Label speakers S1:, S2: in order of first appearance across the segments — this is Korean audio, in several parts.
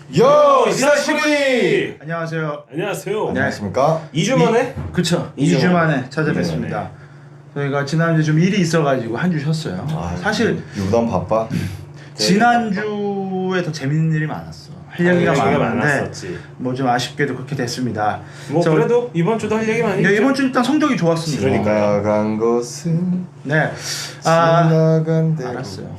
S1: 요 이사시부리.
S2: 안녕하세요.
S1: 안녕하세요.
S3: 안녕하십니까?
S1: 2주 만에?
S2: 그쵸. 2주 만에 찾아뵙습니다. 저희가 지난주에 좀 일이 있어가지고 한 주 쉬었어요. 사실
S3: 유단 바빠.
S2: 지난주에 더 재밌는 일이 많았어. 할 얘기가 많았는데
S1: 많았었지.
S2: 뭐 좀 아쉽게도 그렇게 됐습니다.
S1: 뭐 그래도 이번 주도 할 얘기 많이
S2: 네,
S1: 있죠.
S2: 이번 주 일단 성적이 좋았습니다.
S1: 그러니까요.
S3: 지나간 것은
S2: 네.
S3: 지나간 대로.
S2: 알았어요.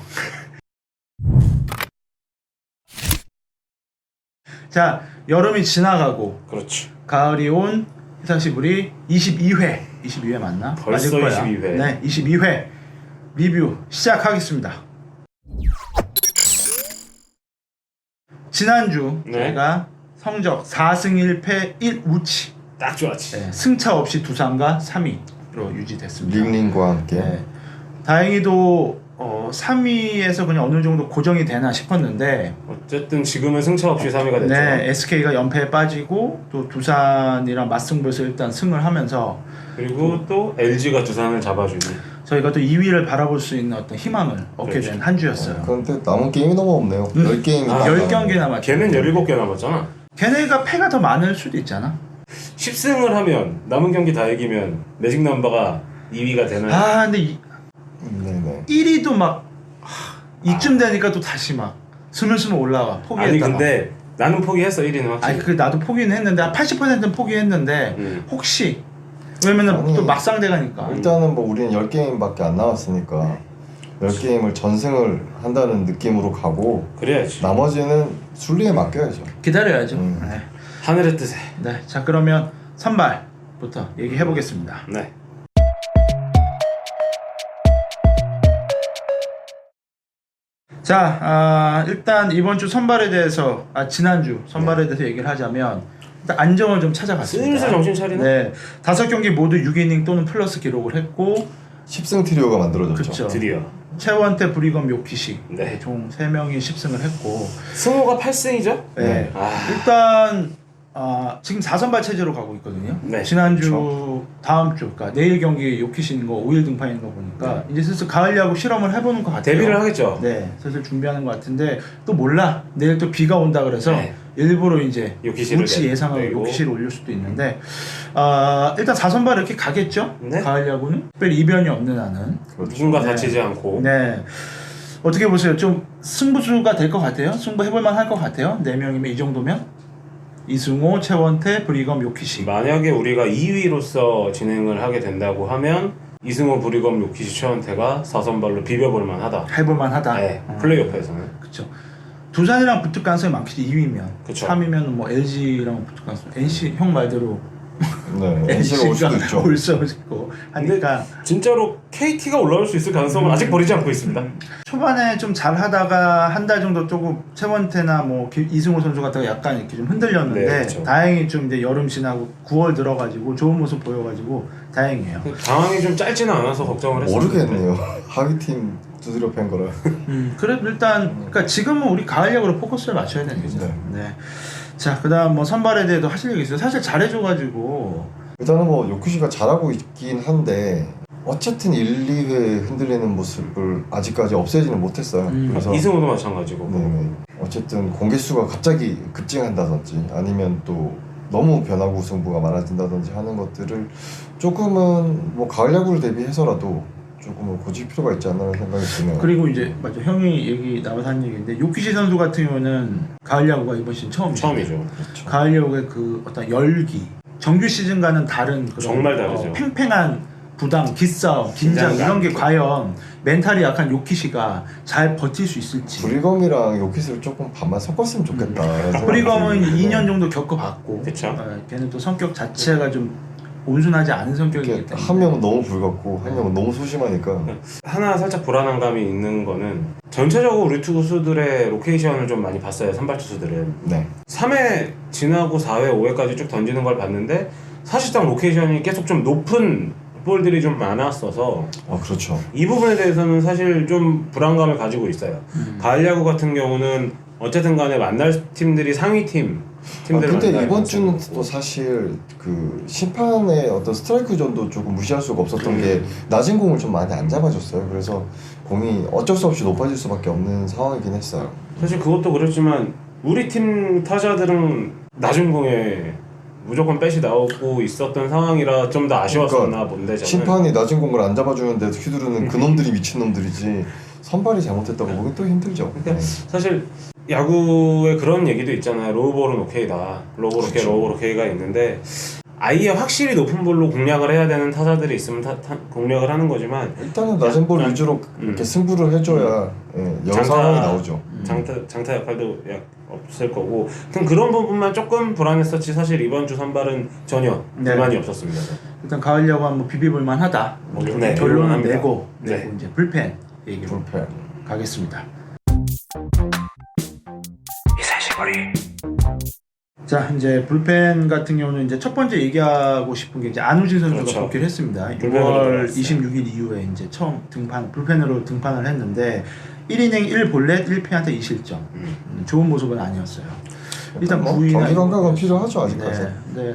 S2: 자, 여름이 지나가고
S1: 그렇죠.
S2: 가을이 온 히사시부리 22회 맞나?
S1: 벌써
S2: 맞을 거야.
S1: 22회.
S2: 네, 22회 리뷰 시작하겠습니다. 지난주
S1: 네.
S2: 저희가 성적 4승 1패 1우치,
S1: 딱 좋았지.
S2: 네, 승차 없이 두산과 3위로 유지됐습니다.
S3: 링링과 함께.
S2: 네. 다행히도 3위에서 그냥 어느 정도 고정이 되나 싶었는데
S1: 어쨌든 지금은 승차 없이 3위가 됐죠.
S2: 네, SK가 연패에 빠지고 또 두산이랑 맞승부에서 일단 승을 하면서
S1: 그리고 또 LG가 두산을 잡아주니.
S2: 저희가 또 2위를 바라볼 수 있는 어떤 희망을 얻게
S1: 그렇죠.
S2: 된 한 주였어요.
S3: 그런데 남은 게임이 너무 없네요. 10게임이
S1: 아,
S2: 10경기 남았죠.
S1: 걔는 17개 남았잖아.
S2: 걔네가 패가 더 많을 수도 있잖아.
S1: 10승을 하면 남은 경기 다 이기면 매직 넘버가 2위가 되는.
S2: 아, 근데
S3: 네네.
S2: 1위도 막 이쯤 되니까 또 다시 막 스물스물 올라와. 포기했다.
S1: 아니 근데 나는 포기했어 1위는 확실히.
S2: 아니 그 나도 포기는 했는데 80%는 포기했는데 혹시 왜냐면은
S3: 아니,
S2: 또 막상 돼가니까.
S3: 일단은 뭐 우리는 10게임밖에 안 남았으니까 10게임을 전승을 한다는 느낌으로 가고
S1: 그래야지.
S3: 나머지는 순리에 맡겨야죠.
S2: 기다려야죠. 네.
S1: 하늘의 뜻에.
S2: 네. 자, 그러면 선발부터 얘기해 보겠습니다.
S1: 네.
S2: 자, 일단 이번 주 선발에 대해서 지난주 선발에 대해서 얘기를 하자면 일단 안정을 좀 찾아봤습니다.
S1: 슬슬 정신 차리네.
S2: 네, 5경기 모두 6이닝 또는 플러스 기록을 했고
S3: 10승 트리오가 만들어졌죠.
S2: 그쵸.
S1: 드디어.
S2: 최원태, 브리검, 요키시
S1: 네.
S2: 총 3명이 10승을 했고
S1: 승호가 8승이죠?
S2: 네.
S1: 아.
S2: 일단 지금 4선발 체제로 가고 있거든요.
S1: 네.
S2: 지난주 다음 주 그러니까 내일 경기 요키시인 거 5일 등판인 거 보니까 이제 슬슬 가을 야구 실험을 해보는 것 같아요.
S1: 데뷔를 하겠죠?
S2: 네, 슬슬 준비하는 것 같은데 또 몰라 내일 또 비가 온다 그래서
S1: 네.
S2: 일부러 이제
S1: 요키시를
S2: 우치 예상하고
S1: 내고.
S2: 요키시를 올릴 수도 있는데 일단 4선발 이렇게 가겠죠?
S1: 네.
S2: 가을 야구는 특별히 이변이 없는 한은
S1: 누군가
S2: 네.
S1: 다치지 않고.
S2: 네. 어떻게 보세요? 좀 승부수가 될 것 같아요? 승부 해볼만 할 것 같아요? 4명이면 이 정도면? 이승호, 최원태, 브리검, 요키시.
S1: 만약에 우리가 2위로서 진행을 하게 된다고 하면 이승호, 브리검, 요키시, 최원태가 4선발로 비벼볼 만하다.
S2: 해볼만 하다.
S1: 네. 플레이오프에서는.
S2: 그쵸. 두산이랑 붙을 가능성이 많겠지. 2위면.
S1: 그쵸.
S2: 3위면 뭐 LG랑 붙을 가능성. NC 형 말대로
S3: 네. NC가 올 수도 있죠.
S2: 올 수도 있고 하니까
S1: 진짜로 KT가 올라올 수 있을 가능성은 아직 버리지 않고 있습니다.
S2: 초반에 좀 잘하다가 한 달 정도 조금 최원태나 뭐 이승호 선수 같다가 약간 이렇게 좀 흔들렸는데
S1: 네, 그렇죠.
S2: 다행히 좀 이제 여름 지나고 9월 들어가지고 좋은 모습 보여가지고 다행이에요.
S1: 상황이 좀 짧지는 않아서 걱정을 했었는데.
S3: 모르겠네요. 하위팀 두드려 팬 거라.
S2: 그래도 일단 그러니까 지금은 우리 가을 야구로 포커스를 맞춰야 되는 거죠. 네. 자, 그다음 뭐 선발에 대해서 하실 얘기 있어요. 사실 잘해줘가지고
S3: 일단은 뭐 요쿠시가 잘하고 있긴 한데 어쨌든 1, 2회 흔들리는 모습을 아직까지 없애지는 못했어요. 그래서
S1: 이승호도 마찬가지고.
S3: 네네. 어쨌든 공개수가 갑자기 급증한다든지 아니면 또 너무 변화구 승부가 많아진다든지 하는 것들을 조금은 뭐 가을 야구를 대비해서라도 조금은 고칠 필요가 있지 않나 생각이 드네요.
S2: 그리고 이제 맞아 형이 얘기 나와서 한 얘기인데 요키시 선수 같은 경우는 가을 야구가 이번 시즌 처음이죠.
S3: 그렇죠.
S2: 가을 야구의 그 어떤 열기, 정규 시즌과는 다른 그런
S1: 정말 다르죠.
S2: 팽팽한 부담, 기싸움, 긴장 이런 게 과연 멘탈이 약한 요키시가 잘 버틸 수 있을지.
S3: 브리검이랑 요키스를 조금 반만 섞었으면 좋겠다.
S2: 브리검은 2년 정도 겪어봤고,
S1: 그쵸.
S2: 걔는 또 성격 자체가 좀 온순하지 않은 성격이기 때문에
S3: 한 명은 너무 불같고 한 명은 너무 소심하니까
S1: 하나 살짝 불안한 감이 있는 거는 전체적으로 우리 투수들의 로케이션을 좀 많이 봤어요. 선발 투수들은.
S3: 네.
S1: 3회 지나고 4회, 5회까지 쭉 던지는 걸 봤는데 사실상 로케이션이 계속 좀 높은 볼들이 좀 많았어서
S3: 그렇죠.
S1: 이 부분에 대해서는 사실 좀 불안감을 가지고 있어요. 가을 야구 같은 경우는 어쨌든 간에 만날 팀들이 상위 팀들
S3: 근데 이번 주는 또 사실 그 심판의 어떤 스트라이크 존도 조금 무시할 수가 없었던 게 낮은 공을 좀 많이 안 잡아줬어요. 그래서 공이 어쩔 수 없이 높아질 수밖에 없는 상황이긴 했어요.
S1: 사실 그것도 그렇지만 우리 팀 타자들은 낮은 공에 무조건 뺏이 나오고 있었던 상황이라 좀 더 아쉬웠었나
S3: 그러니까
S1: 본데 저는.
S3: 심판이 낮은 공을 안 잡아주는데 휘두르는 그놈들이 미친놈들이지 선발이 잘못했다고 보기 또 힘들죠.
S1: 그러니까 사실 야구에 그런 얘기도 있잖아요. 로우볼은 오케이다. 로우볼 오케이,
S3: 그렇죠.
S1: 로우볼 오케이가 있는데 아예 확실히 높은 볼로 공략을 해야 되는 타자들이 있으면 공략을 하는 거지만
S3: 일단은 낮은 볼 위주로 이렇게 승부를 해줘야 여러 상황이 나오죠.
S1: 장타 역할도 없을 거고 그런 부분만 조금 불안했었지 사실 이번 주 선발은 전혀
S2: 네.
S1: 불만이 없었습니다.
S2: 일단 가을 야구 한번 비비볼만 하다. 뭐
S1: 네,
S2: 결론은
S1: 합니다.
S2: 내고
S1: 네.
S2: 이제 불펜 얘기로
S3: 불펜.
S2: 가겠습니다. 자 이제 불펜 같은 경우는 이제 첫 번째 얘기하고 싶은 게 이제 안우진 선수가
S1: 그렇죠.
S2: 복귀를 했습니다.
S1: 불펜으로
S2: 6월
S1: 돌아왔어요.
S2: 26일 이후에 이제 처음 불펜으로 등판을 했는데 1이닝 1볼넷 1피안타 2실점. 좋은 모습은 아니었어요. 일단
S3: 뭐
S2: 구위나
S3: 경기 감각은 필요하죠
S2: 네,
S3: 아직까지.
S2: 네.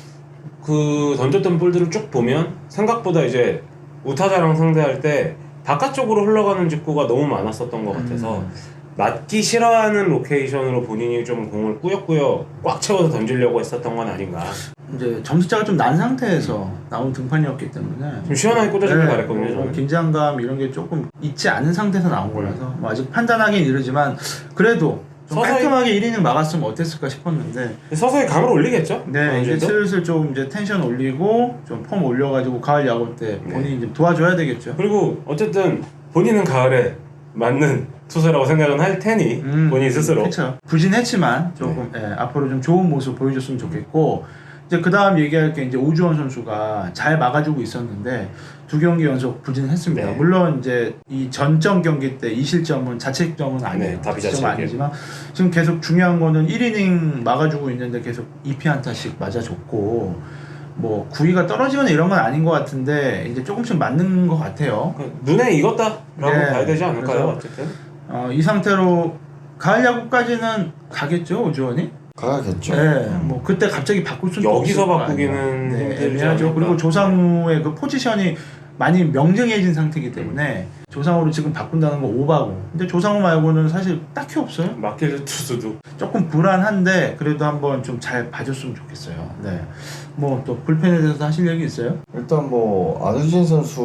S1: 그 던졌던 볼들을 쭉 보면 생각보다 이제 우타자랑 상대할 때 바깥쪽으로 흘러가는 직구가 너무 많았었던 것 같아서 맞기 싫어하는 로케이션으로 본인이 좀 공을 꾸역꾸역 꽉 채워서 던지려고 했었던 건 아닌가.
S2: 이제 점수차가 좀 난 상태에서 나온 등판이었기 때문에
S1: 좀 시원하게 꽂아주길 바랬거든요.
S2: 뭐
S1: 저는.
S2: 긴장감 이런 게 조금 있지 않은 상태에서 나온 거라서 뭐 아직 판단하기는 이르지만 그래도 좀
S1: 서서히-
S2: 깔끔하게 1이닝 막았으면 어땠을까 싶었는데
S1: 서서히 감을 올리겠죠.
S2: 네 이제
S1: 어느정도?
S2: 슬슬 좀 이제 텐션 올리고 좀 폼 올려가지고 가을 야구 때
S1: 네.
S2: 본인이 좀 도와줘야 되겠죠.
S1: 그리고 어쨌든 본인은 가을에 맞는 투수라고 생각은 할 테니 본인 스스로.
S2: 그렇죠. 부진했지만 조금
S1: 네.
S2: 앞으로 좀 좋은 모습 보여줬으면 좋겠고 이제 그 다음 얘기할 게 이제 오주원 선수가 잘 막아주고 있었는데 2경기 연속 부진했습니다.
S1: 네.
S2: 물론 이제 이 전점 경기 때 2실점은 자책점은 아니에요.
S1: 네, 다
S2: 자책점은
S1: 비자책이에요.
S2: 아니지만 지금 계속 중요한 거는 1이닝 막아주고 있는데 계속 2피안타씩 맞아줬고 뭐 구위가 떨어지거나 이런 건 아닌 것 같은데 이제 조금씩 맞는 것 같아요.
S1: 눈에 익었다라고
S2: 네.
S1: 봐야 되지 않을까요?
S2: 그래서-
S1: 어쨌든.
S2: 이 상태로 가을 야구까지는 가겠죠 오주원이?
S3: 가야겠죠.
S2: 네, 뭐 그때 갑자기 바꿀 수는
S1: 여기서
S2: 없을 거
S1: 바꾸기는
S2: 아니에요. 네,
S1: 힘들지
S2: 애매하죠.
S1: 않을까?
S2: 그리고 조상우의 그 포지션이 많이 명정해진 상태이기 때문에 조상우를 지금 바꾼다는 건 오바고. 근데 조상우 말고는 사실 딱히 없어요.
S1: 맡길 투수도
S2: 조금 불안한데 그래도 한번 좀 잘 봐줬으면 좋겠어요. 네. 뭐 또 불펜에 대해서 하실 얘기 있어요?
S3: 일단 뭐 안우진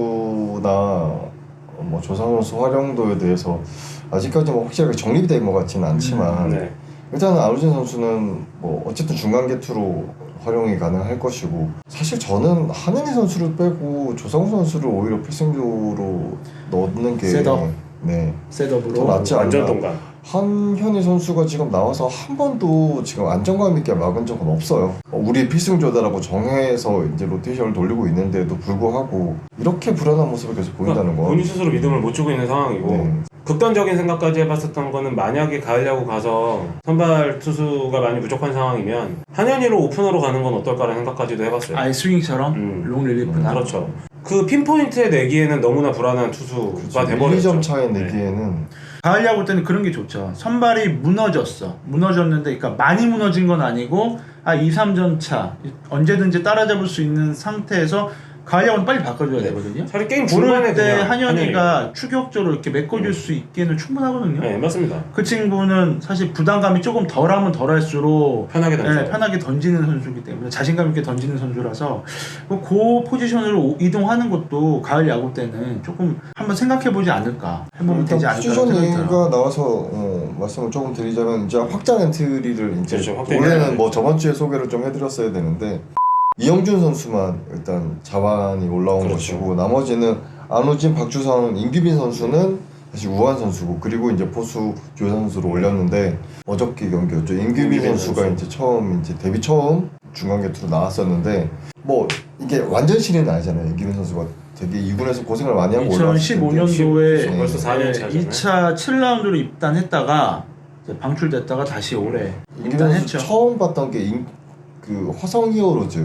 S3: 선수나 뭐 조상우 선수 활용도에 대해서 아직까지 뭐 확실하게 정립이 된 것 같지는 않지만
S1: 네.
S3: 일단은 안우진 선수는 뭐 어쨌든 중간 개투로 활용이 가능할 것이고 사실 저는 한현희 선수를 빼고 조상우 선수를 오히려 필승조로 넣는 게
S2: 셋업.
S3: 네.
S2: 셋업으로.
S3: 더 낫지
S1: 완전
S3: 않나.
S1: 동감.
S3: 한현희 선수가 지금 나와서 한 번도 지금 안정감 있게 막은 적은 없어요. 우리 필승조다라고 정해서 이제 로테이션을 돌리고 있는데도 불구하고 이렇게 불안한 모습을 계속 보인다는 건
S1: 본인 스스로 믿음을 못 주고 있는 상황이고
S3: 네.
S1: 극단적인 생각까지 해봤었던 거는 만약에 가을 야구 가서 선발 투수가 많이 부족한 상황이면 한현희로 오픈으로 가는 건 어떨까라는 생각까지도 해봤어요.
S2: 아예 스윙처럼 롱 릴리프나.
S1: 그렇죠. 그 핀포인트에 내기에는 너무나 불안한 투수가
S3: 그렇죠.
S1: 돼버렸죠.
S3: 1-2점 차에
S1: 네.
S3: 내기에는
S2: 가을 야구 때는 그런 게 좋죠. 선발이 무너졌어. 무너졌는데, 그러니까 많이 무너진 건 아니고, 2, 3점 차 언제든지 따라잡을 수 있는 상태에서 가을 야구는 빨리 바꿔줘야 되거든요.
S1: 차라리 게임 중반에
S2: 그럴 때
S1: 그냥
S2: 한현희가 추격적으로 이렇게 메꿔줄 수 있기는 충분하거든요.
S1: 네 맞습니다.
S2: 그 친구는 사실 부담감이 조금 덜하면 덜할수록
S1: 편하게 던져.
S2: 네, 편하게 던지는 선수이기 때문에 자신감 있게 던지는 선수라서 그 포지션으로 이동하는 것도 가을 야구 때는 조금 한번 생각해보지 않을까 해보면
S3: 일단
S2: 되지 않을까
S3: 포지션
S2: 생각이
S3: 얘기가
S2: 들어요.
S3: 나와서 말씀을 조금 드리자면 이제 확장 엔트리를 이제
S1: 그렇죠, 확장
S3: 원래는
S1: 엔트리.
S3: 뭐 저번 주에 소개를 좀 해드렸어야 되는데 이영준 선수만 일단 자완이 올라온
S1: 그렇죠.
S3: 것이고 나머지는 안우진, 박주성, 임규빈 선수는 사실 우한 선수고 그리고 이제 포수 조현 선수를 올렸는데 어저께 경기였죠. 임규빈 선수가
S1: 선수.
S3: 이제 처음 이제 데뷔 처음 중간 개투로 나왔었는데 뭐 이게 완전 신인은 아니잖아요. 임규빈 선수가 되게 2군에서 고생을 많이 하고 올라왔을 텐데
S2: 2015년도에
S1: 벌써 4년 차잖아요.
S2: 2차 7라운드로 입단했다가 이제 방출됐다가 다시 올해
S3: 임규빈 선수
S2: 입단했죠.
S3: 처음 봤던 게 그 화성 히어로즈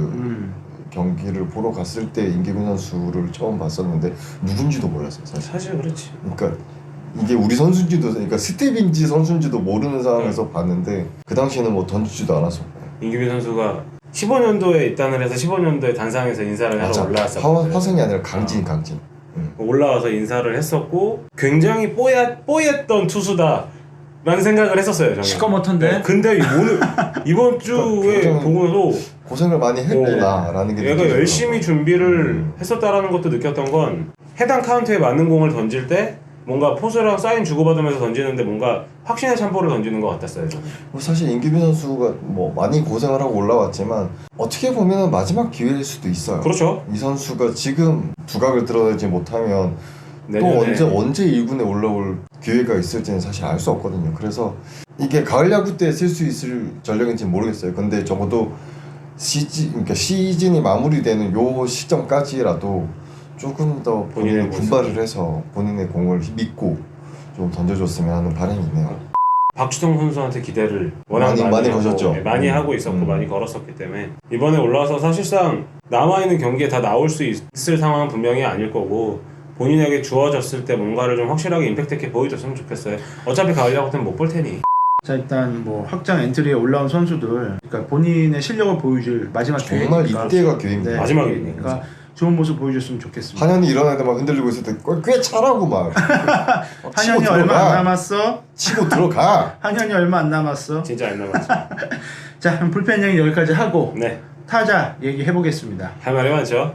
S3: 경기를 보러 갔을 때 임규빈 선수를 처음 봤었는데 누군지도 몰랐어요 사실.
S1: 사실 그렇지.
S3: 그러니까 이게 우리 선수인지도 그러니까 스텝인지 선수인지도 모르는 상황에서 봤는데 그 당시에는 뭐 던지지도 않았었고.
S1: 임규빈 선수가 15년도에 입단을 해서 15년도에 단상에서 인사를 하러 올라왔었거든요.
S3: 화성이 아니라 강진.
S1: 올라와서 인사를 했었고 굉장히 뽀얗던 투수다 라는 생각을 했었어요. 저는.
S2: 시커멓던데.
S1: 네, 근데 이번 주에
S3: 굉장히
S1: 보고도
S3: 고생을 많이 했구나라는 게
S1: 얘가
S3: 느껴지더라고요.
S1: 열심히 준비를 했었다라는 것도 느꼈던 건 해당 카운트에 맞는 공을 던질 때 뭔가 포수랑 사인 주고받으면서 던지는데 뭔가 확신의 참포를 던지는 것 같았어요. 저는.
S3: 뭐 사실 임규빈 선수가 뭐 많이 고생을 하고 올라왔지만 어떻게 보면 마지막 기회일 수도 있어요.
S1: 그렇죠.
S3: 이 선수가 지금 두각을 드러내지 못하면
S1: 내년에.
S3: 또 언제 1군에 올라올 기회가 있을지는 사실 알 수 없거든요. 그래서 이게 가을 야구 때 쓸 수 있을 전력인지는 모르겠어요. 근데 적어도 그러니까 시즌이 마무리되는 요 시점까지라도 조금 더 본인의
S1: 본인의
S3: 분발을 해서 본인의 공을 믿고 좀 던져줬으면 하는 바람이 있네요.
S1: 박주성 선수한테 기대를 워낙
S3: 많이
S1: 하고,
S3: 거셨죠.
S1: 네, 많이 하고 있었고 많이 걸었었기 때문에 이번에 올라와서 사실상 남아있는 경기에 다 나올 수 있을 상황은 분명히 아닐 거고 본인에게 주어졌을 때 뭔가를 좀 확실하게 임팩트 있게 보여줬으면 좋겠어요. 어차피 가을 야구 때는 못 볼 테니.
S2: 자 일단 뭐 확장 엔트리에 올라온 선수들, 그러니까 본인의 실력을 보여줄 마지막
S3: 정말
S2: 기회니까.
S3: 이때가 기회입니다.
S2: 네,
S1: 마지막이니까.
S2: 그러니까 좋은 모습 보여줬으면 좋겠습니다.
S3: 한현이 일어날 때 막 흔들리고 있을 때 꽤 차라고 막
S2: 한현이 얼마 안 남았어.
S3: 치고 들어가.
S2: 한현이 얼마 안 남았어.
S1: 진짜 안 남았죠.
S2: 자 그럼 불펜 얘기 여기까지 하고
S1: 네,
S2: 타자 얘기해 보겠습니다.
S1: 할 말이 많죠.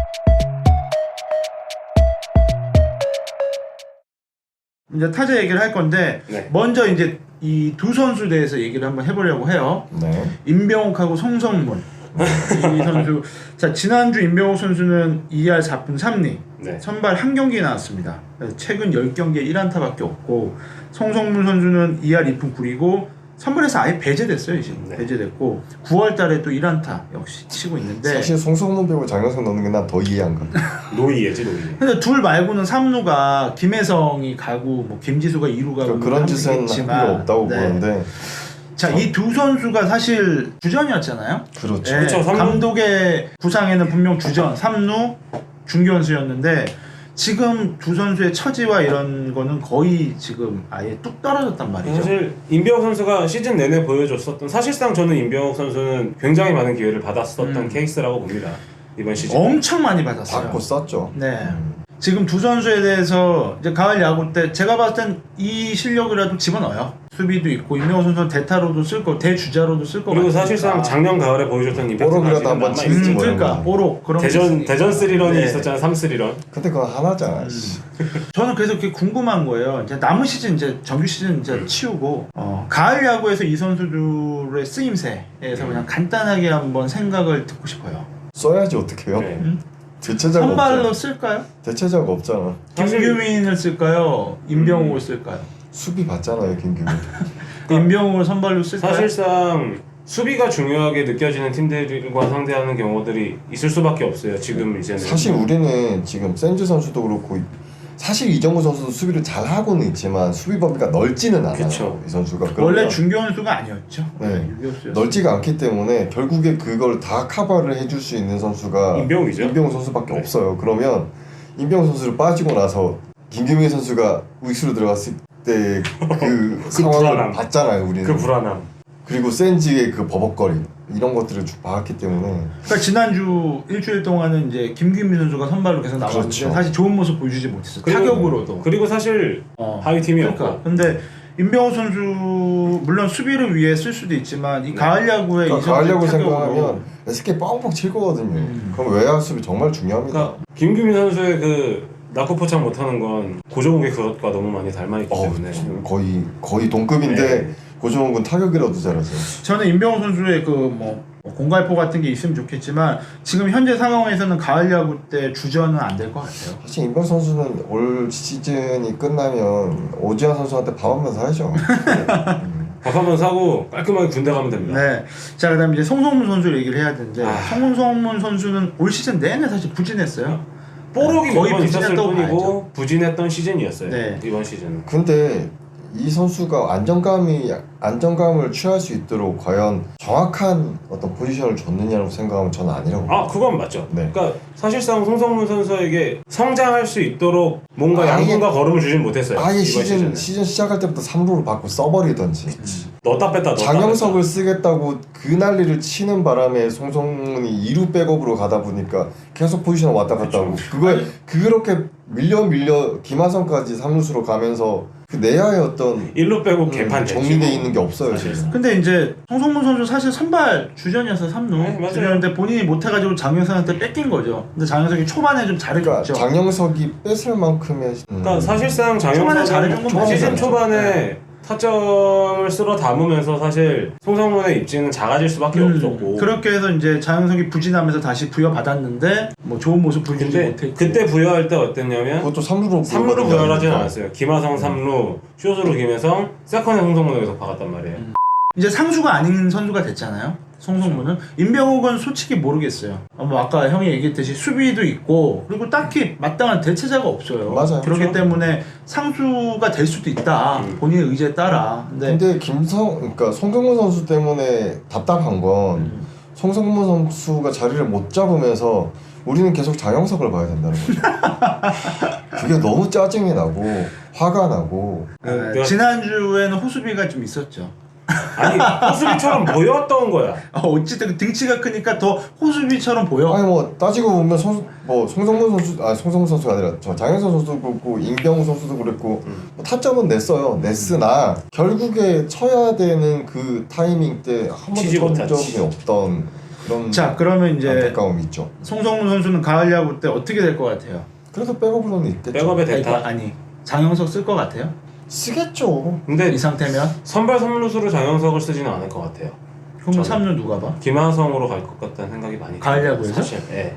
S2: 이제 타자 얘기를 할 건데
S1: 네.
S2: 먼저 이제 이 두 선수 대해서 얘기를 한번 해보려고 해요.
S3: 네.
S2: 임병욱하고 송성문 이 선수. 자 지난주 임병욱 선수는 2할 4푼 3리
S1: 네.
S2: 선발 한 경기 나왔습니다. 최근 10경기에 1안타밖에 없고 송성문 선수는 2할 2푼 9리고 선발에서 아예 배제됐어요. 이제
S1: 네.
S2: 배제됐고 9월달에 또 1안타 역시 치고 있는데
S3: 사실 송성문 배우 장영석 넣는 게 난 더 이해 안 가.
S1: 노이예지 노이.
S2: 근데 둘 말고는 3루가 김혜성이 가고 뭐 김지수가 2루 가고
S3: 그런 짓은 할 필요 없다고
S2: 네.
S3: 보는데.
S2: 자, 이 두 선수가 사실 주전이었잖아요.
S3: 그렇죠.
S2: 네,
S1: 그렇죠, 삼루.
S2: 감독의 구상에는 분명 주전 3루 중견수였는데 지금 두 선수의 처지와 이런 거는 거의 지금 아예 뚝 떨어졌단 말이죠.
S1: 사실 임병욱 선수가 시즌 내내 보여줬었던 사실상 저는 임병욱 선수는 굉장히 많은 기회를 받았었던 케이스라고 봅니다. 이번 시즌.
S2: 엄청 많이 받았어요.
S3: 받고 썼죠.
S2: 네. 지금 두 선수에 대해서 이제 가을 야구 때 제가 봤을 땐 이 실력이라도 집어넣어요. 수비도 있고 임명호 선수는 대타로도 쓸 거, 대주자로도 쓸 거.
S1: 그리고 사실상 작년 가을에 보여줬던 임팩트가
S3: 뽀록이라도
S1: 지금
S3: 한번
S1: 남아
S3: 치는지
S1: 있죠.
S2: 그러니까 뽀록 그런 게 있으니까.
S1: 대전 3런이
S2: 네.
S1: 있었잖아. 3-3런.
S3: 근데 그건 하나잖아. 씨.
S2: 저는 그래서 그게 궁금한 거예요. 이제 남은 시즌 이제 정규 시즌 이제 치우고 가을 야구에서 이 선수들의 쓰임새에서 그냥 간단하게 한번 생각을 듣고 싶어요.
S3: 써야지 어떡해요?
S1: 네.
S3: 대체자가
S2: 선발로
S3: 없잖아.
S2: 쓸까요?
S3: 대체자가 없잖아.
S1: 사실-
S2: 김규민을 쓸까요? 임병욱을 쓸까요?
S3: 수비 받잖아요, 김규민.
S2: 임병욱을 선발로 쓸까요?
S1: 사실상 수비가 중요하게 느껴지는 팀들과 상대하는 경우들이 있을 수밖에 없어요. 지금 이제는.
S3: 사실 우리는 지금 센즈 선수도 그렇고 사실 이정우 선수도 수비를 잘 하고는 있지만 수비 범위가 넓지는 않아요.
S1: 그쵸.
S3: 이 선수가
S2: 원래
S3: 그러면
S2: 중견수가 아니었죠.
S3: 네.
S2: 유격수였어요.
S3: 넓지가 않기 때문에 결국에 그걸 다 커버를 해줄 수 있는 선수가
S1: 임병욱이죠.
S3: 임병욱 선수밖에
S1: 네.
S3: 없어요. 그러면 임병욱 선수를 빠지고 나서 김규민 선수가 우익수로 들어갔을 때 그 상황을
S1: 불안함.
S3: 봤잖아요, 우리는.
S1: 그 불안함.
S3: 그리고 센지의 그 버벅거림 이런 것들을 쭉 봤기 때문에
S2: 그러니까 지난주 일주일 동안은 이제 김규민 선수가 선발로 계속 나왔는데
S3: 그렇죠.
S2: 사실 좋은 모습 보여주지 못했어요.
S1: 그리고-
S2: 타격으로도.
S1: 그리고 사실 하위 팀이었고.
S2: 그러니까. 근데 임병호 선수 물론 수비를 위해 쓸 수도 있지만 이 가을 야구에 이
S3: 그러니까 가을
S2: 선수
S3: 야구
S2: 타격으로
S3: 생각하면 SK 뻥뻥 칠 거거든요. 그럼 외야 수비 정말 중요합니다.
S1: 그러니까 김규민 선수의 그 낙구 포착 못하는 건 고종욱의 그것과 너무 많이 닮아있기 때문에.
S3: 거의 동급인데
S1: 네.
S3: 고정훈 타격이라도 잘하세요.
S2: 저는 임병호 선수의 그 뭐 공갈포 같은 게 있으면 좋겠지만 지금 현재 상황에서는 가을 야구 때 주전은 안 될 것 같아요.
S3: 사실 임병 선수는 올 시즌이 끝나면 오지환 선수한테 밥 한 번 사야죠.
S1: 밥 한 번 사고 깔끔하게 군대 가면 됩니다.
S2: 네. 자 그다음에 이제 송성문 선수 얘기를 해야 되는데
S1: 아.
S2: 송성문 선수는 올 시즌 내내 사실 부진했어요.
S1: 뽀록이
S2: 거의
S1: 몇번 있었을
S2: 부진했다고
S1: 뿐이고
S2: 봐야죠.
S1: 부진했던 시즌이었어요.
S2: 네.
S1: 이번 시즌은.
S3: 근데 이 선수가 안정감을 취할 수 있도록 과연 정확한 어떤 포지션을 줬느냐고 생각하면 저는 아니라고
S1: 아 그건 맞죠.
S3: 네.
S1: 그러니까 사실상 송성문 선수에게 성장할 수 있도록 뭔가
S3: 아예-
S1: 양분과 걸음을 주진 못했어요.
S3: 아예
S1: 이번 시즌은.
S3: 시즌 시작할 때부터 3루를 받고 써버리던지
S1: 넣었다 뺐다 넣었다
S3: 장영석을 쓰겠다고 그 난리를 치는 바람에 송성문이 2루 백업으로 가다 보니까 계속 포지션 왔다 갔다 하고 그렇게 밀려 김하성까지 3루수로 가면서 그 내야의 어떤
S1: 1루 빼고 개판 됐지.
S3: 정리돼
S1: 뭐.
S3: 있는 게 없어요
S1: 사실상.
S3: 지금.
S2: 근데 이제 송성문 선수 사실 선발 주전이어서 3루
S1: 네, 맞아요.
S2: 주전인데 본인이 못해가지고 장영석한테 뺏긴 거죠. 근데 장영석이 초반에 좀
S3: 그러니까
S2: 잘해줬죠.
S3: 장영석이 뺏을 만큼의
S1: 그러니까 사실상
S2: 초반에 잘해준
S1: 장영석은
S2: 건
S1: 시즌
S2: 맞아요.
S1: 초반에 타점을 쓸어 담으면서 사실 송성문의 입지는 작아질 수밖에 없었고.
S2: 그렇게 해서 이제 장영석이 부진하면서 다시 부여받았는데 뭐 좋은 모습 보여주지
S1: 근데
S2: 못했고.
S1: 그때 부여할 때 어땠냐면
S3: 그것도 3루로
S1: 3루로 부여하진 않았어요. 김하성 3루, 쇼스로 김혜성, 세컨에 송성문을 계속 박았단 말이에요.
S2: 이제 상수가 아닌 선수가 됐잖아요. 송성문은 임병욱은 솔직히 모르겠어요. 뭐 아까 형이 얘기했듯이 수비도 있고 그리고 딱히 마땅한 대체자가 없어요.
S3: 맞아요.
S2: 그렇기
S1: 그렇죠.
S2: 때문에 상수가 될 수도 있다. 본인의 의지에 따라.
S3: 근데 그러니까 송성문 선수 때문에 답답한 건 송성문 선수가 자리를 못 잡으면서 우리는 계속 장영석을 봐야 된다는 거죠. 그게 너무 짜증이 나고 화가 나고.
S1: 내가-
S2: 지난주에는 호수비가 좀 있었죠.
S1: 아니 호수비처럼 보였던 거야.
S2: 어쨌든 등치가 크니까 더 호수비처럼 보여.
S3: 아니 뭐 따지고 보면 송성문 선수 송성문 선수가 아니라 저 장영석 선수도 그렇고 임병우 선수도 그랬고 뭐 타점은 냈어요. 냈으나 결국에 쳐야 되는 그 타이밍 때 한
S1: 치지
S3: 번도 쳐
S1: 못하지.
S3: 적이 없던 그런
S2: 자 그러면 이제
S3: 안타까움이 있죠.
S2: 송성문 선수는 가을 야구 때 어떻게 될 것 같아요?
S3: 그래서 백업으로는 있겠죠.
S1: 백업에 대타.
S2: 아니 장영석 쓸 것 같아요?
S3: 쓰겠죠.
S1: 근데
S2: 이 상태면?
S1: 선발 3루수로 장영석을 쓰지는 않을 것 같아요.
S2: 그럼
S1: 저는.
S2: 3루 누가 봐?
S1: 김하성으로 갈 것 같다는 생각이 많이
S2: 가을
S1: 들어요,
S2: 야구에서?
S1: 사실. 예.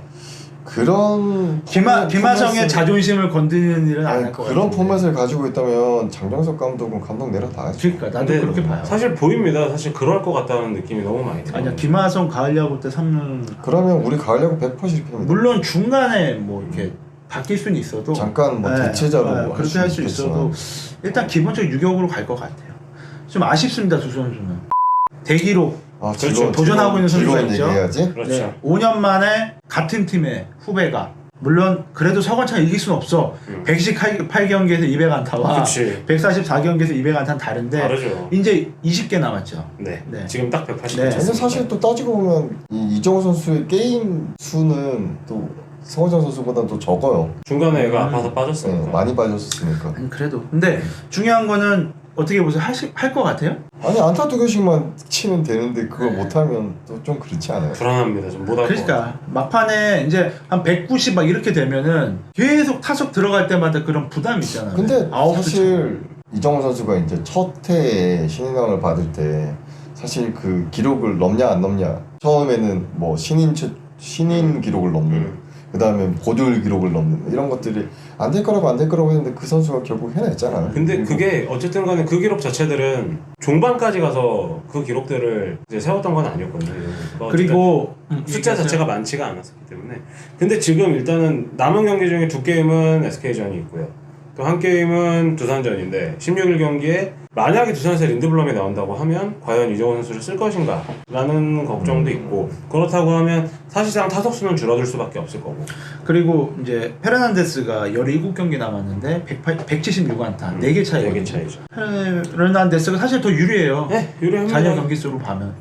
S3: 그런
S2: 김하성의
S3: 포맷을-
S2: 자존심을 건드리는 일은 안
S3: 아니,
S2: 할 것 같아요.
S3: 그런 포맷을 가지고 있다면 장정석 감독은 감독 내려놔야죠.
S2: 그러니까 나도
S1: 근데
S2: 그렇게 봐요.
S1: 사실 보입니다. 사실 그럴 것 같다는 느낌이 너무 많이 들어요.
S2: 아니야 김하성 가을 야구 때 3루
S3: 그러면 우리 가을 야구 100% 실패입니다.
S2: 물론 중간에 뭐 이렇게 바뀔 수는 있어도
S3: 잠깐 뭐 대체자로 할
S2: 그렇게 할 수 있어도 일단 기본적으로 유격으로 갈 것 같아요. 좀 아쉽습니다 두 선수는. 대기록
S3: 아,
S1: 그렇죠.
S2: 도전하고 있는 선수가
S3: 즐거운
S2: 있죠.
S3: 얘기해야지.
S1: 그렇죠.
S2: 네, 5년 만에 같은 팀의 후배가 물론 그래도 서건창 이길 수는 없어. 118경기에서 200안타와
S1: 그치.
S2: 144경기에서 200안타는 다른데
S1: 다르죠.
S2: 이제 20개 남았죠.
S1: 네.
S2: 네.
S1: 지금 딱 180.
S2: 네.
S3: 근데 사실 또 따지고 보면 이정우 선수의 게임 수는 또 성호정 선수보다 더 적어요.
S1: 중간에 애가 아파서 빠졌으니까.
S3: 네, 많이 빠졌으니까.
S2: 아니, 그래도 근데 중요한 거는 어떻게 보세요? 할 것 같아요?
S3: 아니 안타 2개씩만 치면 되는데 그걸
S2: 네.
S3: 못하면 또 좀 그렇지 않아요?
S1: 불안합니다. 좀 못할 것 같아요.
S2: 그러니까 막판에 이제 한 190 막 이렇게 되면은 계속 타석 들어갈 때마다 그런 부담이 있잖아요.
S3: 근데
S2: 아웃도
S3: 사실 이정우 선수가 이제 첫 해에 신인왕을 받을 때 사실 그 기록을 넘냐 안 넘냐 처음에는 뭐 신인 기록을 넘는 그 다음에 고졸 기록을 넘는 이런 것들이 안 될 거라고 했는데 그 선수가 결국 해냈잖아요.
S1: 근데
S3: 그리고
S1: 그게 어쨌든 간에 그 기록 자체들은 종반까지 가서 그 기록들을 이제 세웠던 건 아니었거든요. 그러니까
S2: 그리고
S1: 숫자 자체가 많지가 않았었기 때문에. 근데 지금 일단은 남은 경기 중에 2게임은 SK전이 있고요. 또 한 게임은 두산전인데 16일 경기에 만약에 두산에서 린드블럼이 나온다고 하면 과연 이정우 선수를 쓸 것인가 라는 걱정도 있고, 그렇다고 하면 사실상 타석수는 줄어들 수밖에 없을 거고.
S2: 그리고 이제 페르난데스가 17경기 남았는데 176안타 4개 차이거든요.
S1: 4개 차이죠.
S2: 페르난데스가 사실 더 유리해요.
S1: 네, 유리합니다.
S2: 잔여 경기 수로 보면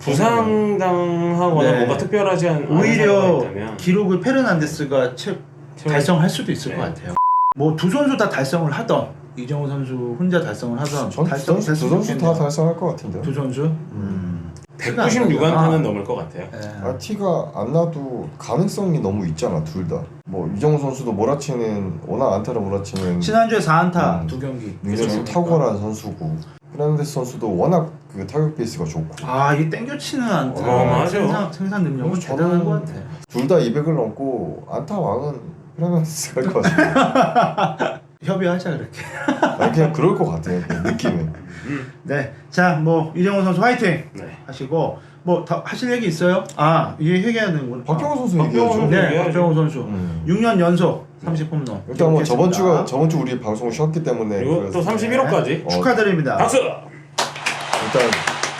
S1: 부상당하거나
S2: 네.
S1: 뭔가 특별하지 않은
S2: 오히려
S1: 상황이 있다면
S2: 기록을 페르난데스가 달성할 수도 있을
S1: 네.
S2: 것 같아요. 뭐 두 선수 다 달성을 하던 이정우 선수 혼자 달성을 하던
S3: 전 두 선수 다 달성할 것 같은데요.
S2: 두 선수?
S1: 196안타는 넘을 것 같아요.
S3: 아, 티가 안 나도 가능성이 너무 있잖아 둘 다. 뭐 이정우 선수도 몰아치는 워낙 안타를 몰아치는
S2: 지난주에 4안타
S3: 음.
S2: 두 경기.
S3: 능력이
S2: 그렇죠.
S3: 탁월한 선수고 페르난데스 선수도 워낙 그 타격 페이스가 좋고
S2: 아, 이 땡겨치는 안타
S1: 맞아요.
S2: 생산 능력은
S3: 저는
S2: 대단한 것 같아.
S3: 둘 다 200을 넘고 안타 왕은 페르난데스가 할 것 같아요.
S2: 협의하자 그렇게.
S3: 아니, 그냥 그럴 것 같아요. 그 느낌은.
S2: 네, 자, 뭐 이정우 선수 화이팅
S1: 네.
S2: 하시고 뭐 더 하실 얘기 있어요? 아, 이게 얘기해야 되는구나.
S3: 박병호 선수
S1: 박병호
S3: 얘기하죠.
S1: 선수.
S2: 네,
S1: 얘기해야죠.
S2: 박병호 선수 6년 연속 30홈런.
S3: 일단 뭐 저번 주 우리 방송을 쉬었기 때문에
S1: 그리고 또 31호까지
S2: 축하드립니다.
S1: 박수!
S3: 일단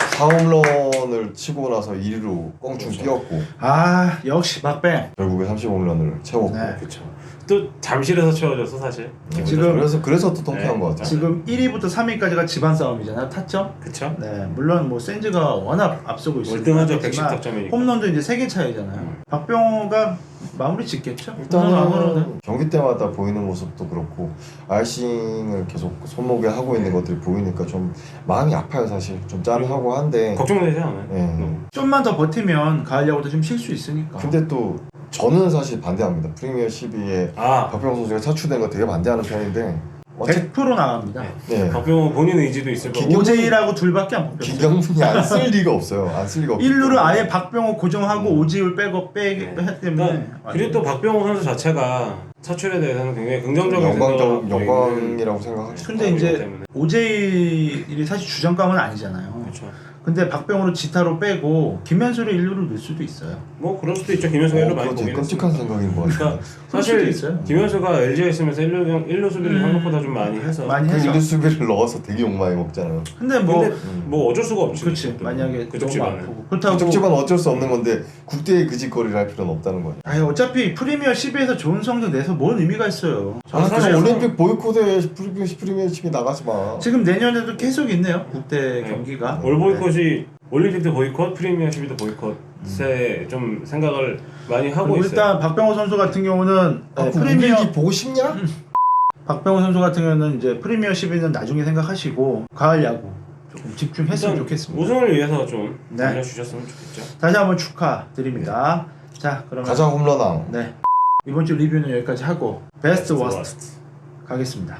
S3: 4홈런을 치고 나서 1위로 껑충 뛰었고
S2: 아, 역시 박뱅.
S3: 결국에 30홈런을 채웠고
S2: 네.
S1: 그쵸. 또 잠실에서 채워줘서 사실.
S2: 지금
S3: 그래서 또 통쾌한
S1: 네.
S3: 것 같아요.
S2: 지금 1위부터 3위까지가 집안 싸움이잖아요. 타점.
S1: 그쵸.
S2: 네, 물론 뭐 센즈가 워낙 앞서고 있어요.
S1: 월등하죠. 110득점이니까.
S2: 홈런도 이제 3개 차이잖아요. 박병호가 마무리 짓겠죠. 아무로는.
S3: 일단은 경기 때마다 보이는 모습도 그렇고 아이싱을 계속 손목에 하고 있는 것들이 보이니까 좀 마음이 아파요 사실. 좀 짠하고 한데
S1: 걱정되지 않아요?
S3: 예.
S2: 좀만 더 버티면 가을 야구도 좀 쉴 수 있으니까.
S3: 근데 또 저는 사실 반대합니다. 프리미어 12에 박병호 선수가 차출된 거 되게 반대하는 편인데
S2: 100% 나갑니다.
S3: 네.
S1: 박병호 본인 의지도 있을 거고.
S2: 오재일하고 둘밖에 안 뽑혔어요.
S3: 김경문이 안 쓸 리가 없어요. 안 쓸 리가 없어요.
S2: 1루를 아예 박병호 고정하고 오재일 빼고 빼기 했기 때문에.
S1: 그리고 또 박병호 선수 자체가 차출에 대해서는 굉장히 긍정적인
S3: 영광이라고 생각하죠.
S2: 근데 이제 오재일이 사실 주전감은 아니잖아요.
S1: 그렇죠.
S2: 근데 박병호를 지타로 빼고 김현수를 1루를 넣을 수도 있어요.
S1: 뭐 그럴 수도 있죠. 김현수가 1루 많이
S3: 그거 되게
S1: 보긴
S3: 끔찍한
S1: 했으니까.
S3: 생각인 것 같아요.
S1: 그러니까
S2: 그럴 수도
S1: 사실
S2: 있어요.
S1: 김현수가 LG에 있으면서 1루 수비를 생각보다 좀 많이 해서
S2: 많이
S3: 그
S2: 해서.
S3: 일루 수비를 넣어서 되게 욕 많이 먹잖아요.
S2: 근데 뭐
S1: 근데 뭐 어쩔 수가 없지.
S2: 그렇지. 만약에
S1: 그쪽
S2: 너무
S1: 집안은.
S2: 아프고 그렇다고
S3: 그쪽집은 어쩔 수 없는 건데 국대에 그 짓거리를 할 필요는 없다는 거예요.
S2: 아니 어차피 프리미어 12에서 좋은 성적 내서 뭔 의미가 있어요.
S3: 아,
S1: 사실
S3: 그럼 올림픽 보이콧에 프리미어 10이 나가지 마.
S2: 지금 내년에도 계속 있네요. 국대
S1: 네.
S2: 경기가.
S1: 올 보이콧이 올림픽도 보이콧, 프리미어 12도 보이콧에 좀 생각을 많이 하고
S2: 그리고
S1: 있어요.
S2: 일단 박병호 선수 같은 경우는
S3: 아,
S2: 프리미어
S3: 우리 보고 싶냐?
S2: 박병호 선수 같은 경우는 이제 프리미어 12는 나중에 생각하시고 가을 야구 조금 집중했으면
S1: 일단
S2: 좋겠습니다.
S1: 우승을 위해서 좀
S2: 네.
S1: 알려주셨으면 좋겠죠.
S2: 다시 한번 축하드립니다. 자 그러면
S3: 가자 홈런왕.
S2: 네 이번 주 리뷰는 여기까지 하고 베스트 워스트
S1: 워스트.
S2: 가겠습니다.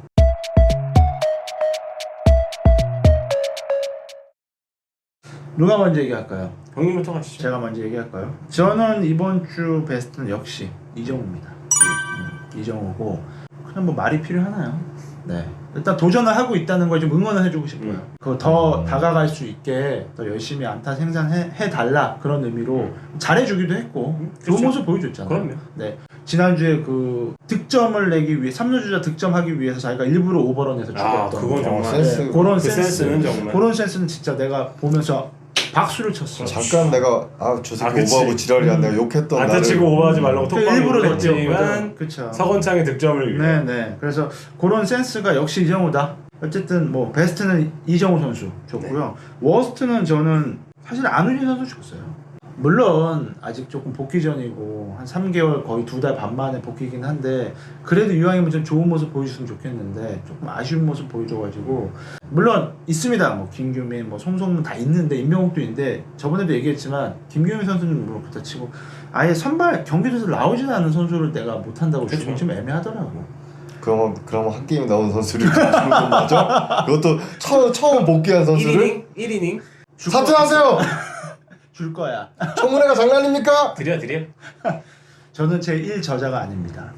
S2: 누가 먼저 얘기할까요?
S1: 형님부터 가시죠.
S2: 제가 먼저 얘기할까요? 저는 이번 주 베스트는 역시 이정우입니다. 이정우고 그냥 뭐 말이 필요하나요? 네. 일단 도전을 하고 있다는 걸 좀 응원을 해주고 싶어요. 그거 더 다가갈 수 있게 더 열심히 안타 생산해 달라 그런 의미로 잘해주기도 했고 좋은
S1: 그렇죠.
S2: 모습 보여줬잖아요.
S1: 그럼요.
S2: 네. 지난주에 그 득점을 내기 위해 3루주자 득점하기 위해서 자기가 일부러 오버런해서
S1: 아,
S2: 죽었던
S1: 그건 정말
S3: 센스.
S2: 그런
S1: 그
S2: 센스
S1: 센스는 정말.
S2: 그런 센스는 진짜 내가 보면서 박수를 쳤어.
S3: 잠깐 내가 저 새끼
S1: 그치.
S3: 오버하고 지랄이야 내가 욕했던
S1: 안타
S3: 나를
S1: 치고 오버하지 말라고
S2: 그
S1: 톡방에
S2: 일부러
S1: 했지만
S2: 그렇죠.
S1: 서건창의 득점을 위해.
S2: 네네. 그래서 그런 센스가 역시 이정우다. 어쨌든 뭐 베스트는 이정우 선수 줬고요. 워스트는 저는 사실 안우진 선수 줬어요. 물론 아직 조금 복귀 전이고 한 3개월 거의 2달 반 만에 복귀긴 한데 그래도 이왕이면 좀 좋은 모습 보여줬으면 좋겠는데 조금 아쉬운 모습 보여줘가지고 물론 있습니다. 뭐 김규민, 뭐 송성문 다 있는데 임명욱도 있는데 저번에도 얘기했지만 김규민 선수는 물론 그렇다 치고 아예 선발 경기도에서 나오진 않은 선수를 내가 못한다고
S1: 그쵸.
S2: 주긴 좀 애매하더라고.
S3: 그럼 한 게임 나온 선수를 주는 건 맞아? 그것도 처음 복귀한 선수를
S1: 1이닝
S3: 사퇴하세요.
S2: 줄 거야.
S3: 청문회가 장난입니까?
S1: 드려.
S2: 저는 제 1저자가 아닙니다.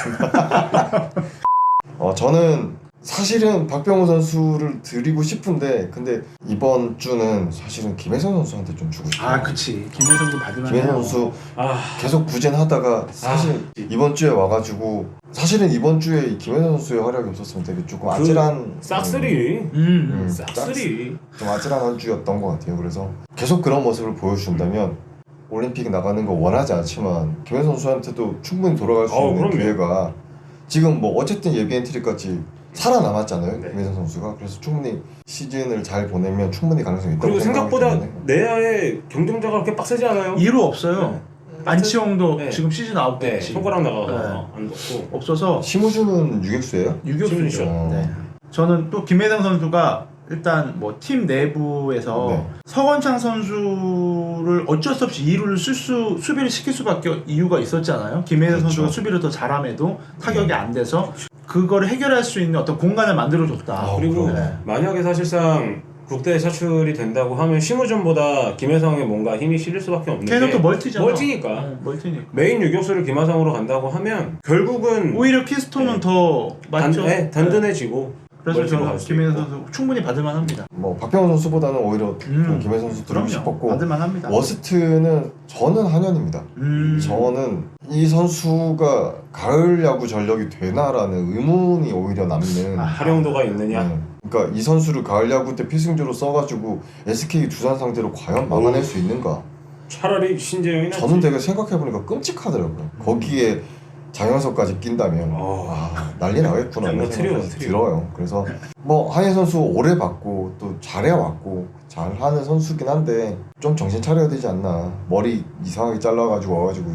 S3: 저는 사실은 박병호 선수를 드리고 싶은데 근데 이번 주는 사실은 김혜성 선수한테 좀 주고 싶어요.
S2: 아, 그치. 김혜성도 받으면
S3: 김혜성
S2: 해요.
S3: 선수
S1: 아,
S3: 계속 부진하다가 사실 이번 주에 와가지고 사실은 이번 주에 이 김혜성 선수의 활약이 없었으면 되게 조금 아찔한
S1: 싹쓸이. 싹쓸이.
S3: 좀 아찔한 한 주였던 것 같아요. 그래서 계속 그런 모습을 보여준다면 올림픽 나가는 거 원하지 않지만 김혜성 선수한테도 충분히 돌아갈 수 있는
S1: 그럼요.
S3: 기회가 지금 뭐 어쨌든 예비 엔트리까지 살아남았잖아요.
S2: 네.
S3: 김혜성 선수가. 그래서 충분히 시즌을 잘 보내면 충분히 가능성이 있다고
S1: 그리고
S3: 생각하기
S1: 생각보다
S3: 때문에.
S1: 내야의 경쟁자가 그렇게 빡세지 않아요.
S2: 2루 없어요. 안치홍도
S1: 네.
S2: 지금 시즌 아웃
S1: 네,
S2: 됐지.
S1: 손가락 나가서
S2: 네.
S1: 안 넣고.
S2: 없어서
S3: 심우준은 유격수예요?
S2: 유격수죠.
S1: 심리죠.
S2: 네. 저는 또 김혜성 선수가 일단 뭐 팀 내부에서
S3: 네.
S2: 서건창 선수를 어쩔 수 없이 2루를 수비를 시킬 수밖에 이유가 있었잖아요. 김혜성
S3: 그렇죠.
S2: 선수가 수비를 더 잘함에도 타격이 안 돼서 그거를 해결할 수 있는 어떤 공간을 만들어줬다.
S1: 그리고
S2: 네.
S1: 만약에 사실상 국대에 차출이 된다고 하면 심우준보다 김혜성에 뭔가 힘이 실릴 수밖에 없는
S2: 걔는
S1: 게
S2: 또 멀티잖아.
S1: 멀티니까.
S2: 네, 멀티니까.
S1: 메인 유격수를 김하성으로 간다고 하면 결국은
S2: 오히려 키스톤은
S1: 네.
S2: 더 맞죠. 네.
S1: 든든해지고
S2: 그래서
S1: 멀티로
S2: 저는
S1: 갈수
S2: 김혜성
S1: 있고.
S2: 선수 충분히 받을만합니다.
S3: 뭐 박병호 선수보다는 오히려 김혜성 선수 드리고
S2: 그럼요.
S3: 싶었고
S2: 받을만합니다.
S3: 워스트는 저는 한현입니다. 저는 이 선수가 가을 야구 전력이 되나라는 의문이 오히려 남는.
S1: 활용도가 있느냐.
S3: 그러니까 이 선수를 가을 야구 때 필승조로 써가지고 SK 두산 상대로 과연 막아낼 수 있는가?
S1: 차라리 신재영이 낫지.
S3: 저는 되게 생각해보니까 끔찍하더라고요. 거기에 장현석까지 낀다면 난리 나겠구나 이런 생각이 들어요. 그래서 뭐 한혜 선수 오래 봤고 또 잘해왔고 잘하는 선수긴 한데 좀 정신 차려야 되지 않나. 머리 이상하게 잘라가지고 와가지고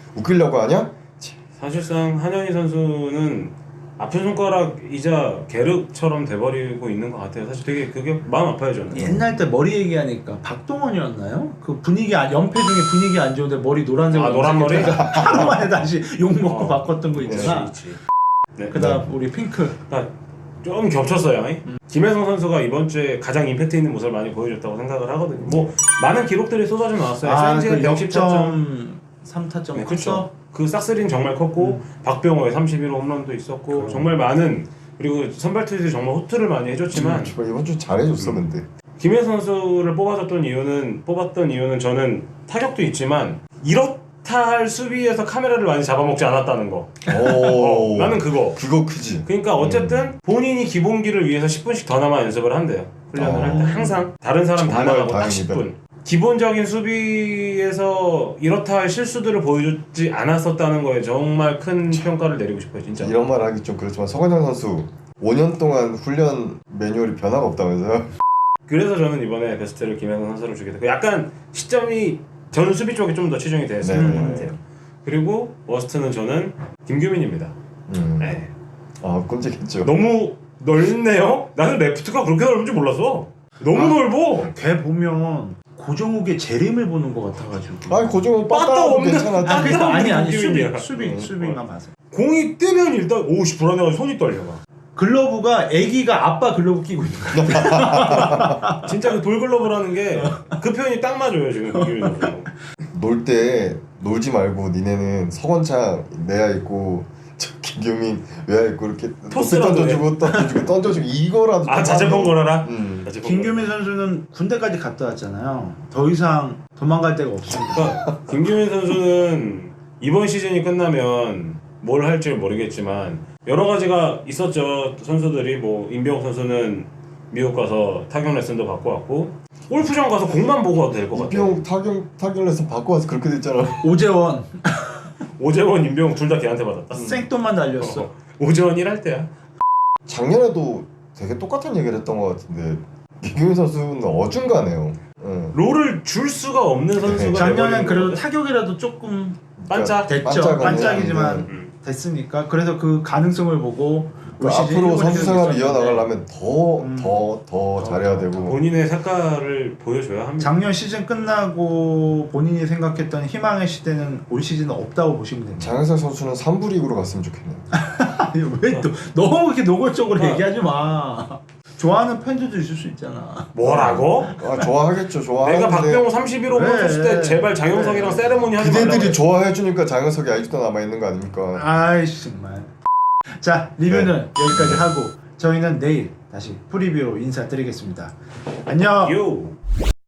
S3: 웃기려고 하냐?
S1: 사실상 한현희 선수는 아픈 손가락이자 계륵처럼 돼버리고 있는 것 같아요. 사실 되게 그게 마음 아파요 저는.
S2: 옛날 때 머리 얘기하니까 박동원이었나요? 그 분위기 연패 중에 분위기 안 좋은데 머리 노란색으로
S1: 노란 머리?
S2: 하루 만에 다시 욕 먹고 바꿨던 거 있잖아.
S1: 그치. 네.
S2: 그다음 우리 핑크.
S1: 그러니까 좀 겹쳤어요. 김혜성 선수가 이번 주에 가장 임팩트 있는 모습을 많이 보여줬다고 생각을 하거든요. 뭐 많은 기록들이 쏟아져 나왔어요.
S2: 그
S1: 110타점.
S2: 역점 3타점
S1: 네,
S2: 컸어?
S1: 그렇죠. 그 싹스린 정말 컸고 박병호의 31호 홈런도 있었고 정말 많은 그리고 선발 투수들이 정말 호투를 많이 해줬지만
S3: 정말 이번 주 잘해줬어 근데.
S1: 김혜성 선수를 뽑았던 이유는 저는 타격도 있지만 이렇다 할 수비에서 카메라를 많이 잡아먹지 않았다는 거.
S3: 오.
S1: 나는 그거.
S3: 그거 크지.
S1: 그러니까 어쨌든 본인이 기본기를 위해서 10분씩 더 남아 연습을 한대요. 훈련을 할 때 항상 다른 사람 다
S3: 정말
S1: 나가고 딱
S3: 다행이다.
S1: 10분. 기본적인 수비에서 이렇다 할 실수들을 보여주지 않았었다는 거에 정말 큰 평가를 내리고 싶어요, 진짜.
S3: 이런 말 하기 좀 그렇지만 서건영 선수 5년 동안 훈련 매뉴얼이 변화가 없다면서요?
S1: 그래서 저는 이번에 베스트를 김혜성 선수를 주게 됐고 약간 시점이 저는 수비 쪽에 좀 더 치중이 됐었던
S3: 네.
S1: 것 같아요. 그리고 워스트는 저는 김규민입니다. 네.
S3: 아 끔찍했죠.
S1: 너무 넓네요? 나는 레프트가 그렇게 넓은 줄 몰랐어. 너무 넓어.
S2: 걔 보면 고정욱의 재림을 보는 것 같아가지고.
S3: 아니 고정은
S1: 빠따
S3: 빠따라도
S1: 없는-
S3: 괜찮았지.
S2: 아, 그러니까 아니
S1: 김규민이야.
S2: 수비만 봐서.
S1: 공이 뜨면 일단 오씨 불안해가지고 손이 떨려.
S2: 글러브가 애기가 아빠 글러브 끼고 있는 거야.
S1: 진짜 그 돌글러브라는 게 그 표현이 딱 맞아요 지금 김규민 선수.
S3: 놀 때 놀지 말고 니네는 서건창 내야 있고 저 김경민 외야 있고 이렇게
S1: 토스라도
S3: 던져주고 이거라도 좀
S1: 자제폰
S3: 하고.
S1: 걸어라.
S2: 김규민 선수는 군대까지 갔다 왔잖아요. 더 이상 도망갈 데가 없습니다.
S1: 그러니까 김규민 선수는 이번 시즌이 끝나면 뭘 할지 모르겠지만 여러 가지가 있었죠. 선수들이 뭐 임병욱 선수는 미국 가서 타격 레슨도 받고 왔고 골프장 가서 공만 보고 와도 될 것 같아요.
S3: 이병 타격 레슨 받고 와서 그렇게 됐잖아.
S2: 오재원
S1: 오재원, 임병욱 둘 다 걔한테 받았다.
S2: 생돈만 날렸어.
S1: 오재원 일할 때야.
S3: 작년에도 되게 똑같은 얘기를 했던 것 같은데 김경민 선수는 어중간해요. 응.
S1: 롤을 줄 수가 없는 선수가
S2: 작년엔
S1: 돼버리는
S2: 그래도
S1: 거거든.
S2: 타격이라도 조금
S1: 반짝.
S2: 됐죠.
S3: 반짝은
S2: 반짝이지만
S3: 했는데
S2: 됐으니까 그래서 그 가능성을 보고
S3: 그
S2: 올 시즌
S3: 앞으로
S2: 일본
S3: 선수 생활을
S2: 시즌 있었는데
S3: 이어나가려면 더 잘해야 되고.
S1: 본인의 색깔을 보여줘야 합니다.
S2: 작년 시즌 끝나고 본인이 생각했던 희망의 시대는 올 시즌은 없다고 보시면 됩니다.
S3: 장현석 선수는 3부 리그로 갔으면 좋겠네요.
S2: 왜 또 너무 그렇게 노골적으로
S1: 아.
S2: 얘기하지 마. 좋아하는 팬들도 있을 수 있잖아.
S1: 뭐라고?
S3: 아 좋아하겠죠. 좋아하는데
S1: 내가 박병호 31호 홈런
S2: 네.
S1: 쳤을 때 제발 장영석이랑 세레모니 하지 말라고.
S3: 그대들이 좋아해주니까 장현석이 아직도 남아있는 거 아닙니까?
S2: 아이씨 정말. 자 리뷰는 여기까지 하고 저희는 내일 다시 프리뷰로 인사드리겠습니다. 안녕.
S1: 요.